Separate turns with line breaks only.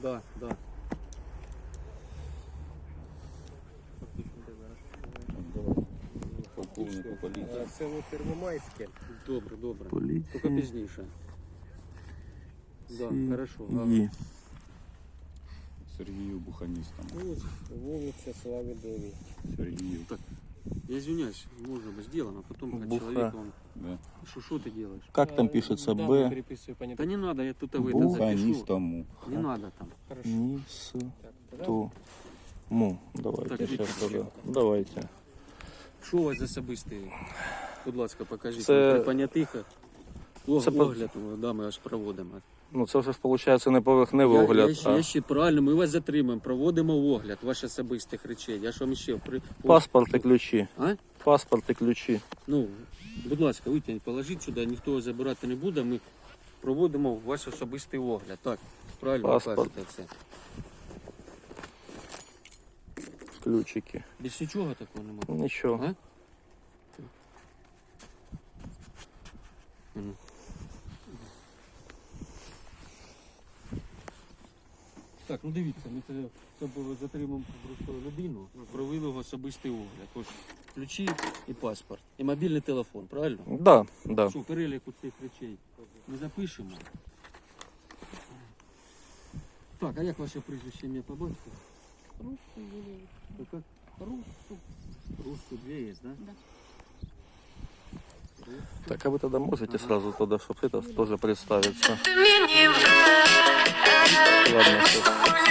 Да.
Полковнику поліції.
Село Первомайське.
Добре. Тільки
Поліція.
пізніше. Да, хорошо.
Є.
Сергію Буханістам.
Вулиця Слави 9.
Сергію.
Так, я извиняюсь, можно бы сделано, а потом как
Буха.
человек он...
Да.
Что ты делаешь?
Как там пишется?
Да,
Б.
переписываю,
Да
понятно.
не надо, я тут выйду запишу.
Буханістому.
Не надо там.
Хорошо.
Ніс.
Так, тогда
То. Му. Давайте
Так,
сейчас
ідіть.
тогда. Давайте.
Що у вас за особистий? Будь ласка, покажіть.
Це-
При понятих
Це по-
огляд, да, ми аж проводимо.
Ну це вже ж виходить не поверхневий огляд,
Я ще правильно, ми вас затримаємо, проводимо огляд ваших особистих речей. Я ж вам ще
паспорт і ключі.
А?
Паспорт і ключі.
Ну, будь ласка, витягніть, положіть сюди, ніхто його забирати не буде, ми проводимо ваш особистий огляд. Так, правильно
Паспорт.
кажете все.
Ключики.
Більш нічого такого немає.
Нічого.
А? Ну. Так, ну дивіться, ми це затримуємо просто людину, провели його особистий огляд. Ось ключі і паспорт, і мобільний телефон, правильно?
Да, да.
Що, перелік цих речей ми запишемо. Так, а як ваше прізвище, ім'я по батьку? Как? Руссу 2 есть, да?
Да.
Так, а вы тогда можете сразу туда, чтобы это тоже представиться? Ладно, всё.